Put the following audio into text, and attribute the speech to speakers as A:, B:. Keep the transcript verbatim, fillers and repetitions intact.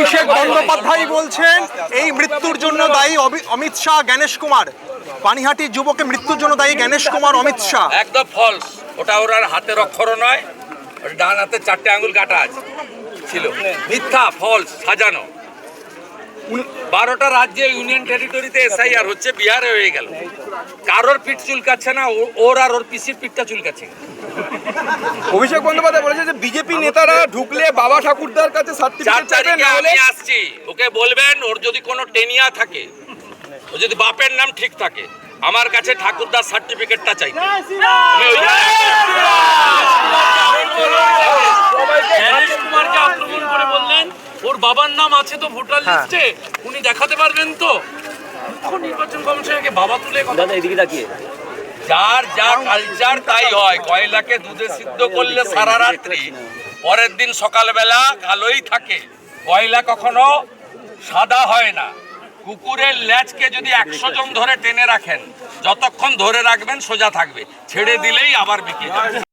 A: অভিষেক বন্দ্যোপাধ্যায় বলছেন এই মৃত্যুর জন্য দায়ী অমিত শাহ, গণেশ কুমার। পানিহাটির যুবকের মৃত্যুর জন্য দায়ী গণেশ কুমার, অমিত শাহ।
B: একদম ফলস। ওটা ওর হাতের অক্ষরও নয়, ডান হাতে চারটে আঙুল কাটা আছে ছিল। মিথ্যা, ফলস, সাজানো। বারোটা রাজ্যে ইউনিয়ন টেরিটরিতে এসআইআর হচ্ছে, বিহারে হয়ে গেল। কারোর পিঠ চুলকাচ্ছে না, ওর আর ওর পিসির পিঠটা চুলকাচ্ছে।
C: অভিষেক বন্দ্যোপাধ্যায় বলেছে যে বিজেপি নেতারা ঢুকলে বাবা ঠাকুরদার কাছে সার্টিফিকেট চাইবেন, না হলে
B: আমি আসছি। ওকে বলবেন ওর যদি কোনো টেনিয়া থাকে, ও যদি বাপের নাম ঠিক থাকে, আমার কাছে ঠাকুরদার সার্টিফিকেটটা চাই।
D: গণেশ কুমারকে আক্রমণ করে বললেন ওর বাবার নাম আছে তো ভোটার লিস্টে, উনি দেখাতে পারবেন তো? মুখ্য নির্বাচন কমিশনারকে বাবা তুলে কথা।
E: এদিকে তাকিয়ে
B: যার যা কালচার তাই হয়। কয়লাকে দুধে সিদ্ধ করলে সারা রাত্রি, পরের দিন সকালবেলা কালোই থাকে। কয়লা কখনো সাদা হয় না। কুকুরের ল্যাজকে যদি একশো জন ধরে টেনে রাখেন, যতক্ষণ ধরে রাখবেন সোজা থাকবে, ছেড়ে দিলেই আবার বিক্রি যাবে।